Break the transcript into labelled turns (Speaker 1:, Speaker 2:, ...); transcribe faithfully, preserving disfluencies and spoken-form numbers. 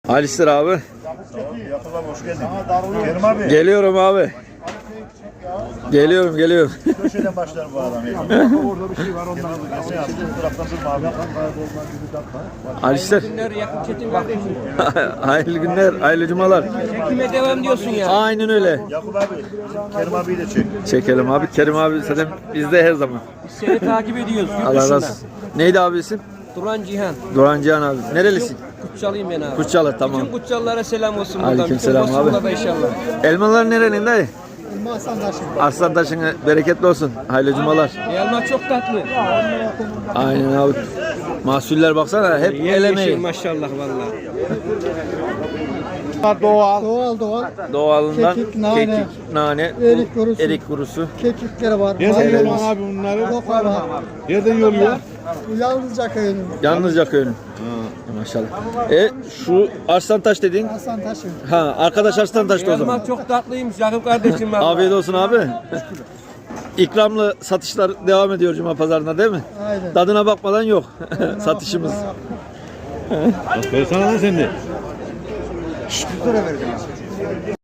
Speaker 1: Alistir abi.
Speaker 2: Yakup abi hoş geldin. Kerim abi.
Speaker 1: Geliyorum abi. Geliyorum geliyorum.
Speaker 2: Köşeden başlar bu adam. Orada bir şey var ondan. Bu taraftan durma abi.
Speaker 1: Alistir.
Speaker 3: Günler Yakup Çetin kardeşim.
Speaker 1: Hayırlı günler, hayırlı cumalar.
Speaker 3: Çekime devam diyorsun ya.
Speaker 1: Aynen öyle.
Speaker 2: Yakup abi. Bizim Kerim abiyi de çek.
Speaker 1: Çekelim abi. Kerim abi zaten bizde her zaman.
Speaker 3: Biz seni takip ediyoruz. Yurt
Speaker 1: Allah razı
Speaker 3: dışında.
Speaker 1: olsun. Neydi abi isim?
Speaker 3: Duran Cihan.
Speaker 1: Doğan Cihan abi. Nerelisin?
Speaker 3: Kutçalıyım ben abi.
Speaker 1: Kutçalı, tamam.
Speaker 3: Bütün Kutçalılara selam olsun buradan.
Speaker 1: Aleyküm
Speaker 3: Bütün
Speaker 1: selam abi.
Speaker 3: Bosfor'da da inşallah.
Speaker 1: Elmalar nerenin dayı? Arslantaş'ın bereketli olsun. Hayırlı cumalar.
Speaker 3: Elma çok tatlı.
Speaker 1: Aynen abi. Mahsuller baksana hep el
Speaker 3: Yemyeşil
Speaker 1: emeği.
Speaker 3: maşallah vallahi.
Speaker 1: Doğal.
Speaker 4: Doğal doğal.
Speaker 1: Doğalından
Speaker 4: Kekik, nane,
Speaker 1: kekik, nane,
Speaker 4: erik kurusu.
Speaker 1: erik kurusu.
Speaker 4: Kekikleri var.
Speaker 5: Nereden
Speaker 4: maydanız,
Speaker 5: yoluyorsun abi bunları?
Speaker 4: Roka var.
Speaker 5: Nereden yoluyor?
Speaker 4: Bu Yalnızca köyünün.
Speaker 1: Yalnızca köyünün. Maşallah. E şu Arslantaş dediğin.
Speaker 4: Hasan Taşı.
Speaker 1: Ha arkadaş Arslantaş'ta o zaman.
Speaker 3: Elma çok tatlıymış Yakup kardeşim vallahi.
Speaker 1: Afiyet olsun abi. İkramlı satışlar devam ediyor Cuma pazarında değil mi?
Speaker 4: Aynen.
Speaker 1: Tadına bakmadan yok satışımız.
Speaker 5: Bak ben sana lan sen de.